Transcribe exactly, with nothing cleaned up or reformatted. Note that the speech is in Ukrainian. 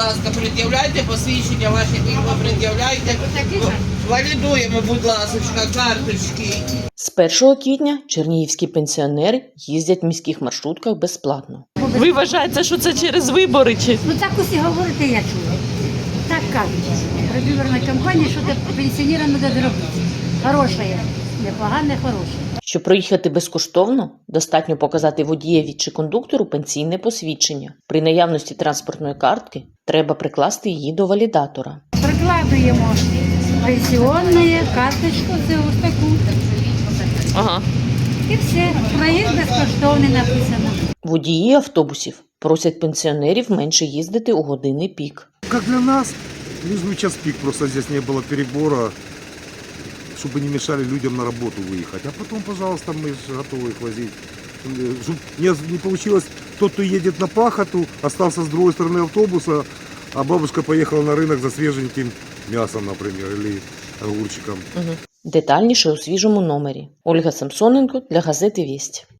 ласка, пред'являйте посвідчення ваші, ви пред'являйте. Валідуємо, будь ласка, карточки. З першого квітня чернігівські пенсіонери їздять в міських маршрутках безплатно. Ви вважаєте, що це через вибори? Чи? Ну так усі говорите, я чула. Так кажуть. Предвиборна кампанія, що це пенсіонерам треба зробити. Хороша є, непогане, хороше. Щоб проїхати безкоштовно, достатньо показати водієві чи кондуктору пенсійне посвідчення. При наявності транспортної картки треба прикласти її до валідатора. Прикладуємо пенсіонну карточку, це ось таку. Ага. І все, проїзд безкоштовний написано. Водії автобусів просять пенсіонерів менше їздити у години пік. Как для нас, лишь бы час пик, просто здесь не было перебора, чтобы не мешали людям на работу выехать. А потом, пожалуйста, мы же готовы их возить. Чтобы не, не получилось, тот, кто едет на пахоту, остался с другой стороны автобуса, а бабушка поехала на рынок за свеженьким мясом, например, или огурчиком. Угу. Детальніше у свіжому номері. Ольга Самсоненко для газети «Вість».